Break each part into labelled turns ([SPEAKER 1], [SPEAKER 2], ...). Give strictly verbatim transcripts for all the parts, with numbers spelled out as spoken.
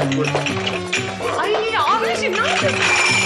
[SPEAKER 1] Ay Avni'cim ne yapıyorsun?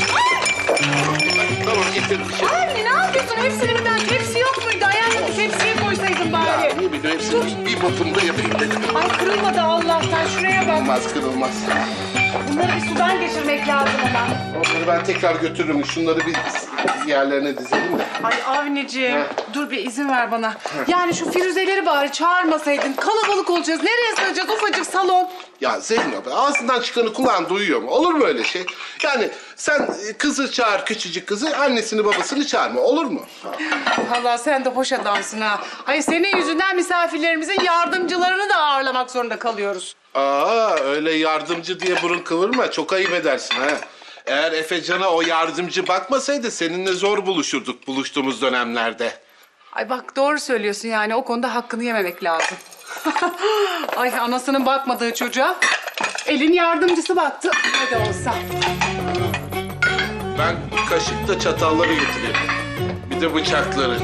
[SPEAKER 2] Tamam getirdim.
[SPEAKER 1] Anne ne yapıyorsun? Hepsini birden tepsi yok muydu? Ayağını tepsiye koysaydın bari.
[SPEAKER 2] Ya ne bileyim hepsini bir botumda yapayım dedim.
[SPEAKER 1] Ay kırılmadı Allah'tan. Şuraya bak.
[SPEAKER 2] Kırılmaz kırılmaz.
[SPEAKER 1] Bunları bir sudan geçirmek lazım ama.
[SPEAKER 2] Onları ben tekrar götürürüm. Şunları bir yerlerine dizelim de.
[SPEAKER 1] Ay Avni'ciğim
[SPEAKER 2] Heh.
[SPEAKER 1] dur bir izin ver bana. Yani şu Firuze'leri bari çağırmasaydın. Kalabalık olacağız. Nereye sığacağız? Ufacık salon.
[SPEAKER 2] Ya Zeynep ağzından çıkanı kulağın duyuyor mu? Olur mu öyle şey? Yani sen kızı çağır, küçücük kızı, annesini babasını çağırma. Olur mu?
[SPEAKER 1] Vallahi sen de hoş adamsın ha. Hayır senin yüzünden misafirlerimizin yardımcılarını da ağırlamak zorunda kalıyoruz.
[SPEAKER 2] Aa öyle yardımcı diye burun kıvırma. Çok ayıp edersin ha. Eğer Efecan'a o yardımcı bakmasaydı seninle zor buluşurduk buluştuğumuz dönemlerde.
[SPEAKER 1] Ay bak doğru söylüyorsun yani o konuda hakkını yememek lazım. Ay anasının bakmadığı çocuğa elin yardımcısı baktı. Ne de olsa.
[SPEAKER 2] Ben kaşıkla çatalları getireyim. Bir de bıçakları.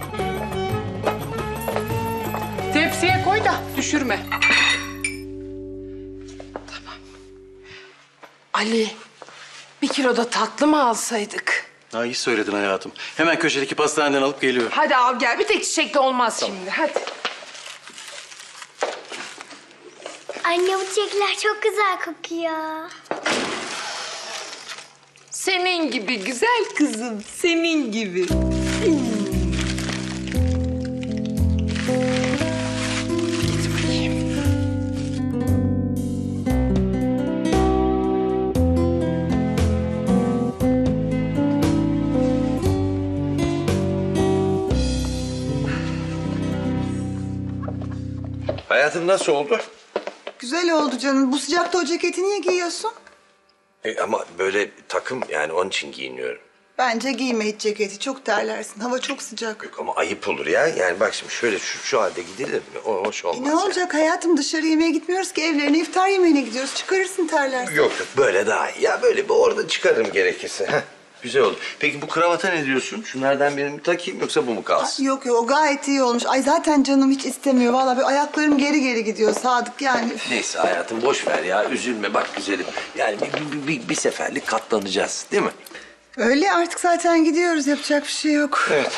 [SPEAKER 1] Tepsiye koy da düşürme.
[SPEAKER 3] Ali, bir kilo da tatlı mı alsaydık?
[SPEAKER 4] Ha, iyi söyledin hayatım. Hemen köşedeki pastaneden alıp geliyorum.
[SPEAKER 3] Hadi al gel, bir tek çiçekle olmaz şimdi, hadi.
[SPEAKER 5] Anne bu çiçekler çok güzel kokuyor.
[SPEAKER 3] Senin gibi güzel kızım, senin gibi.
[SPEAKER 6] Hayatım nasıl oldu?
[SPEAKER 7] Güzel oldu canım. Bu sıcakta o ceketi niye giyiyorsun?
[SPEAKER 6] E, ama böyle takım yani onun için giyiniyorum.
[SPEAKER 7] Bence giyme hiç ceketi. Çok terlersin. Hava çok sıcak.
[SPEAKER 6] Yok ama ayıp olur ya. Yani bak şimdi şöyle şu, şu halde gidilir mi? O hoş olmaz.
[SPEAKER 7] E ne
[SPEAKER 6] yani.
[SPEAKER 7] olacak hayatım? Dışarı yemeğe gitmiyoruz ki. Evlerine iftar yemeğine gidiyoruz. Çıkarırsın terlersin.
[SPEAKER 6] Yok yok böyle daha iyi. Ya böyle bir orada çıkarırım gerekirse. Heh, güzel oldu. Peki bu kravata ne diyorsun? Şunlardan birini mi takayım yoksa bu mu kalsın?
[SPEAKER 7] Yok yok o gayet iyi olmuş. Ay zaten canım hiç istemiyor. Vallahi bir ayaklarım geri geri gidiyor Sadık yani. Üf.
[SPEAKER 6] Neyse hayatım boş ver ya. Üzülme bak güzelim. Yani bir, bir, bir, bir seferlik katlanacağız değil mi?
[SPEAKER 7] Öyle artık zaten gidiyoruz. Yapacak bir şey yok.
[SPEAKER 6] Evet.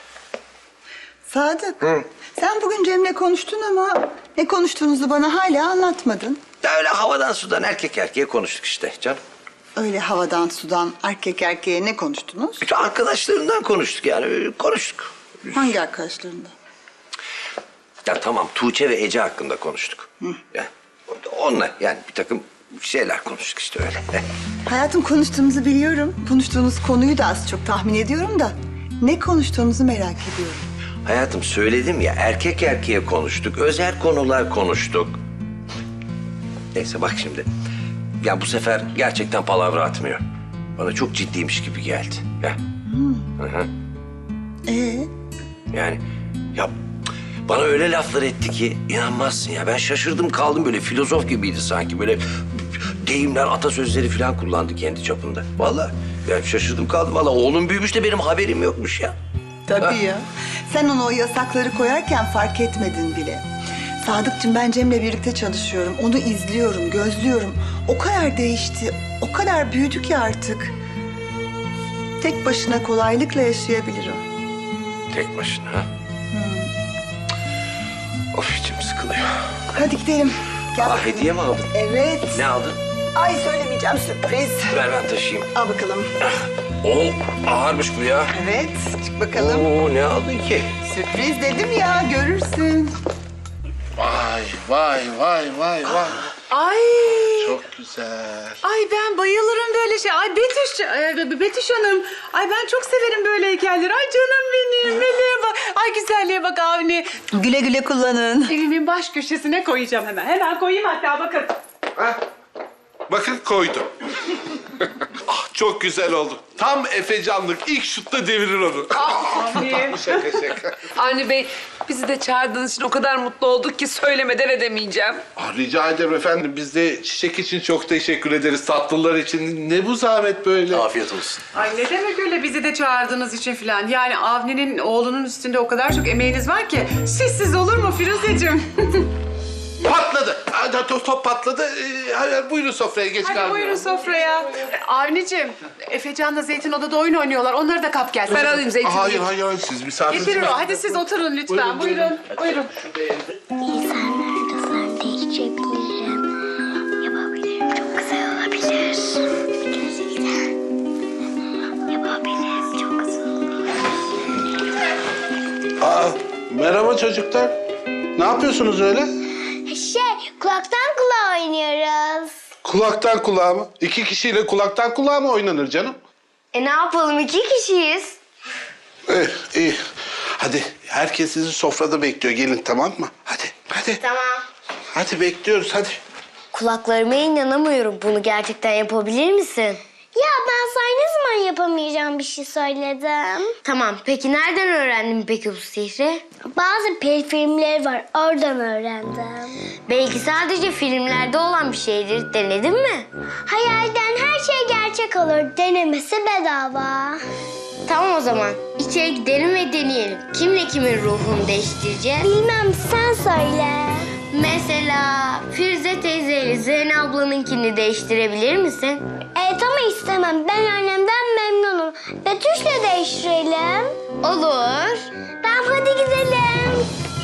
[SPEAKER 7] Sadık. Sen bugün Cem'le konuştun ama ne konuştuğunuzu bana hala anlatmadın.
[SPEAKER 6] Ya öyle havadan sudan erkek erkeğe konuştuk işte canım.
[SPEAKER 7] Öyle havadan sudan erkek erkeğe ne konuştunuz?
[SPEAKER 6] İşte arkadaşlarından konuştuk yani öyle konuştuk.
[SPEAKER 7] Hangi arkadaşlarında?
[SPEAKER 6] Ya tamam Tuğçe ve Ece hakkında konuştuk. Ya, onunla yani bir takım şeyler konuştuk işte öyle.
[SPEAKER 7] Hayatım konuştuğumuzu biliyorum. Konuştuğunuz konuyu da az çok tahmin ediyorum da. Ne konuştuğunuzu merak ediyorum.
[SPEAKER 6] Hayatım söyledim ya erkek erkeğe konuştuk. Özel konular konuştuk. Neyse bak şimdi. Ya bu sefer gerçekten palavra atmıyor. Bana çok ciddiymiş gibi geldi. Ya. Hı hı.
[SPEAKER 7] Ee,
[SPEAKER 6] Yani ya bana öyle laflar etti ki inanmazsın ya. Ben şaşırdım kaldım böyle filozof gibiydi sanki. Böyle deyimler, atasözleri falan kullandı kendi çapında. Vallahi ben şaşırdım kaldım. Vallahi oğlum büyümüş de benim haberim yokmuş ya.
[SPEAKER 7] tabii ya. Sen onu o yasakları koyarken fark etmedin bile. Sadıkçım ben Cem'le birlikte çalışıyorum. Onu izliyorum, gözlüyorum. O kadar değişti, o kadar büyüdü ki artık. Tek başına kolaylıkla yaşayabilir o.
[SPEAKER 6] Tek başına ha? Of içim sıkılıyor.
[SPEAKER 7] Hadi gidelim. Gel
[SPEAKER 6] Aa,
[SPEAKER 7] bakalım.
[SPEAKER 6] hediye mi aldın?
[SPEAKER 7] Evet.
[SPEAKER 6] Ne aldın?
[SPEAKER 7] Ay söylemeyeceğim sürpriz.
[SPEAKER 6] Ver ben taşıyayım.
[SPEAKER 7] Al bakalım.
[SPEAKER 6] Oo ağırmış bu ya.
[SPEAKER 7] Evet, çık bakalım.
[SPEAKER 6] Oo ne aldın ki?
[SPEAKER 7] Sürpriz dedim ya, görürsün.
[SPEAKER 2] Vay vay vay vay vay.
[SPEAKER 1] Ay.
[SPEAKER 2] Çok güzel.
[SPEAKER 1] Ay ben bayılırım böyle şey. Ay Betüş, e, Betüş Hanım. Ay ben çok severim böyle heykelleri. Ay canım benim. Meleğe bak. Ay güzelliğe bak Avni.
[SPEAKER 7] Güle güle kullanın.
[SPEAKER 1] Evimin baş köşesine koyacağım hemen. Hemen koyayım hatta bakın.
[SPEAKER 2] Ha? Bakın koydum. Ah, çok güzel oldu. Tam Efecanlık ilk şutta devirir onu.
[SPEAKER 1] Avni.
[SPEAKER 2] Şaka şaka.
[SPEAKER 3] Avni Bey, bizi de çağırdığınız için o kadar mutlu olduk ki söylemeden edemeyeceğim.
[SPEAKER 2] Ah, rica ederim efendim. Biz de çiçek için çok teşekkür ederiz. Tatlılar için. Ne bu zahmet böyle?
[SPEAKER 4] Afiyet olsun.
[SPEAKER 1] Ay ne demek öyle bizi de çağırdığınız için falan. Yani Avni'nin oğlunun üstünde o kadar çok emeğiniz var ki. Sizsiz olur mu Firuzeciğim?
[SPEAKER 2] Patladı. Aa, hadi, hadi top patladı. Ee, hadi buyurun sofraya geç
[SPEAKER 1] Hadi
[SPEAKER 2] kalmayalım.
[SPEAKER 1] buyurun sofraya. Avni'cim, Efecan'la Zeytin odada oyun oynuyorlar. Onları da kap gel.
[SPEAKER 3] Ben alayım Zeytin'i.
[SPEAKER 2] Hayır hayır hayır, siz misafir.
[SPEAKER 1] Getirir o. Hadi siz oturun lütfen. Buyurun. Buyurun.
[SPEAKER 5] İnsanlar da değiştirebilirim. Yapabilirim. Çok güzel olabilir. Gerçekten. Yapabilirim. Çok güzel olabilir.
[SPEAKER 2] Aa, merhaba çocuklar. Ne yapıyorsunuz öyle?
[SPEAKER 5] Şey, kulaktan kulağa oynuyoruz.
[SPEAKER 2] Kulaktan kulağa mı? İki kişiyle kulaktan kulağa mı oynanır canım?
[SPEAKER 5] E ne yapalım? İki kişiyiz.
[SPEAKER 2] İyi, iyi. Hadi herkes sizi sofrada bekliyor. Gelin, tamam mı? Hadi, hadi.
[SPEAKER 5] Tamam.
[SPEAKER 2] Hadi bekliyoruz, hadi.
[SPEAKER 5] Kulaklarıma inanamıyorum. Bunu gerçekten yapabilir misin? Ya ben sana ne zaman yapamayacağım bir şey söyledim. Tamam. Peki nereden öğrendin peki bu sihri? Bazı peri filmleri var. Oradan öğrendim. Belki sadece filmlerde olan bir şeydir. Denedin mi? Hayalden her şey gerçek olur. Denemesi bedava. Tamam o zaman. İçeri gidelim ve deneyelim. Kimle kimin ruhunu değiştireceğiz? Bilmem, sen söyle. Mesela Firuze teyzeyle Zeynep ablanınkini değiştirebilir misin? Evet ama istemem. Ben annemden memnunum. Betüş'le değiştirelim. Olur. Tamam hadi gidelim.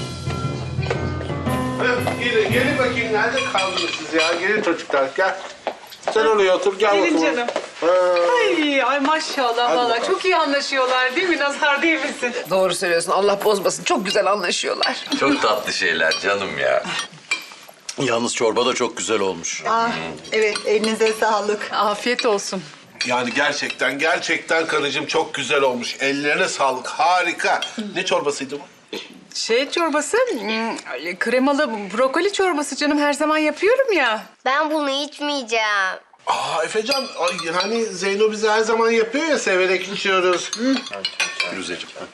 [SPEAKER 2] Gelin, gelin bakayım. Nerede kaldınız siz ya? Gelin çocuklar, gel. Sen oraya otur, gel
[SPEAKER 1] Gelin
[SPEAKER 2] bakalım.
[SPEAKER 1] canım.
[SPEAKER 2] Ha.
[SPEAKER 1] Ay, ay maşallah
[SPEAKER 2] Hadi
[SPEAKER 1] vallahi
[SPEAKER 2] bakalım.
[SPEAKER 1] çok iyi anlaşıyorlar değil mi? Nazar değil misin?
[SPEAKER 3] Doğru söylüyorsun. Allah bozmasın. Çok güzel anlaşıyorlar.
[SPEAKER 6] Çok tatlı şeyler canım ya.
[SPEAKER 4] Yalnız çorba da çok güzel olmuş.
[SPEAKER 7] Ah, evet, elinize sağlık.
[SPEAKER 1] Afiyet olsun.
[SPEAKER 2] Yani gerçekten, gerçekten karıcığım çok güzel olmuş. Ellerine sağlık, harika. Ne çorbasıydı bu?
[SPEAKER 1] Şey çorbası, hmm, kremalı brokoli çorbası canım her zaman yapıyorum ya.
[SPEAKER 5] Ben bunu içmeyeceğim.
[SPEAKER 2] Aa Efecan, ay, hani Zeyno bize her zaman yapıyor ya, severek içiyoruz.
[SPEAKER 4] Firuzeciğim. ha.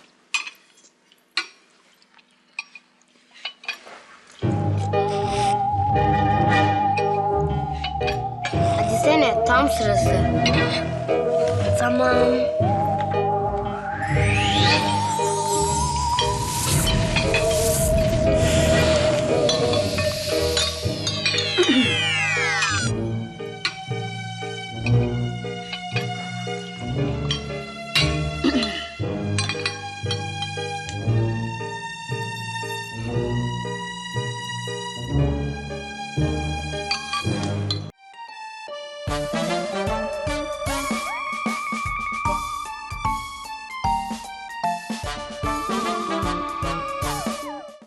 [SPEAKER 5] Hadi sene tam sırası. Tamam.